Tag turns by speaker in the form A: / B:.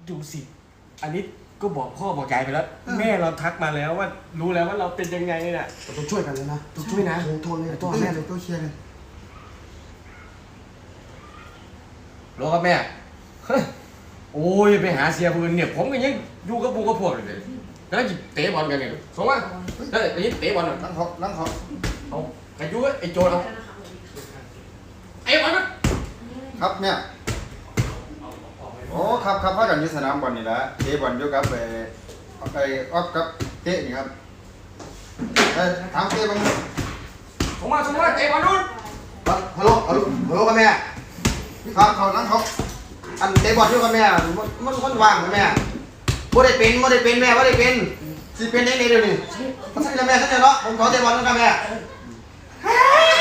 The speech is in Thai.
A: ดูสิอันนี้ก็บอกพ่อบอกยายไปแล้วแม่เราทักมาแล้วว่ารู้แล้วว่าเราเป็นยังไงน่ะ
B: เราต้องช่วยกันเลยนะ
A: ต้องช่วยนะ
B: โทรเลยโทรแม่เลยต้องเคลียร์เลย
A: รอกับแม่เฮ้ยโอ้ยไปหาเสียปืนเนี่ยผมก็ยังอยู่กับพวกเลยแล้วจิเตะบอลกันเนี่ยสมมติเฮ้ยนี่เตะบอลหน่อย
B: ล้างเขา
A: เอาไอ้ยูไอ้โจเอาไอ้บอลมัน
B: ครับเนี่ยโอ้ครับพ่อกันอยู่สนามบอลนี่แหละเตะบอลอยู่กับไอ้ออฟกับเตะนี่ครับถามเตะบ้าง
A: สมมติเตะบอลนู่น
B: ฮัลโหลกับแม่ครับเขาล้างเขาอันเตะบอลอยู่กับแม่มันว่างกับแม่บ่ได้เป็นแม่บ่ได้เป็นสิเป็นได้เดี๋ยวนี้มันใช่แล้วแม่ใช่เนาะผมขอเตะบอลกับแม่